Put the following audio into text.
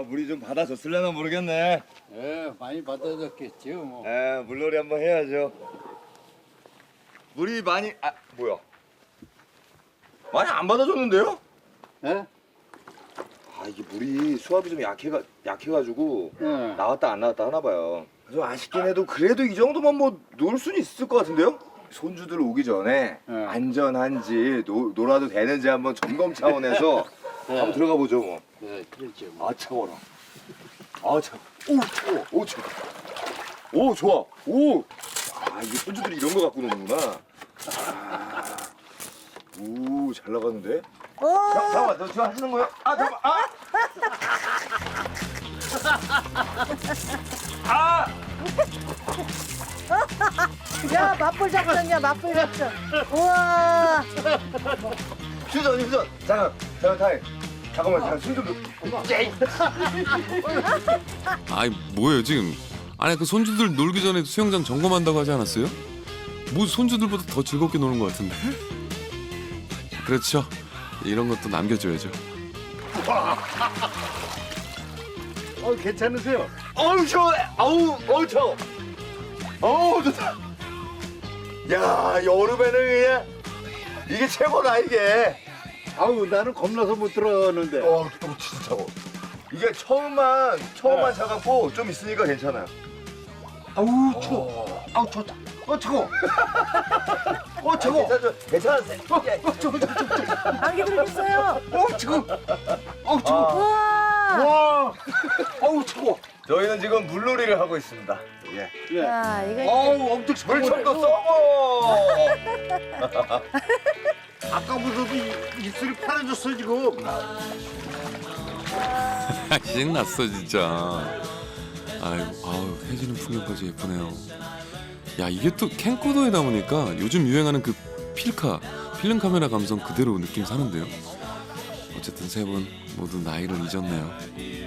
물이 좀 받아줬을려나 모르겠네. 예, 많이 받아줬겠지요, 뭐. 물놀이 한번 해야죠. 물이 많이 뭐야? 많이 안 받아줬는데요? 예? 이게 물이 수압이 좀 약해가지고 예. 나왔다 안 나왔다 하나 봐요. 좀 아쉽긴 해도 그래도 이 정도만 뭐 놀 수는 있을 것 같은데요? 손주들 오기 전에 네. 안전한지 놀아도 되는지 한번 점검 차원에서 한번 들어가 보죠 뭐. 예, 그렇죠. 뭐. 차워라. 차워. 오 차워. 오 차워. 오 좋아. 오. 이게 손주들이 이런 거 갖고 노는구나. 오 잘 나가는데. 잠깐만 너 지금 하시는 거야? 잠깐만. 야, 맞불 작전이야, 맞불 작전. 우와. 휴전. 잠깐. 잠깐만 손좀 아이 뭐예요 지금? 아니 그 손주들 놀기 전에 수영장 점검한다고 하지 않았어요? 뭐 손주들보다 더 즐겁게 노는 것 같은데. 그렇죠. 이런 것도 남겨줘야죠. 괜찮으세요? 어우 시원해. 어우 차워. 어우 좋다. 야 여름에는 그냥 이게 최고다 이게. 아우, 나는 겁나서 못 들어갔는데. 진짜 차워. 이게 처음만 차갖고 좀 있으니까 괜찮아요. 아우, 추워. 아우, 좋다. 차워. 차워. 괜찮으세요? 안개 들겠어요. 차워. 차워. 우와. 와. 아우, 차워. 저희는 지금 물놀이를 하고 있습니다. 예. 예. 야, 이거 아우, 엄청 차워. 물총도 쏘고. 아까부터도 입술이 파래졌어, 지금. 신났어 진짜. 아유 해지는 풍경까지 예쁘네요. 야 이게 또 캠코더에 담으니까 요즘 유행하는 그 필름 카메라 감성 그대로 느낌 사는데요. 어쨌든 세 분 모두 나이를 잊었네요.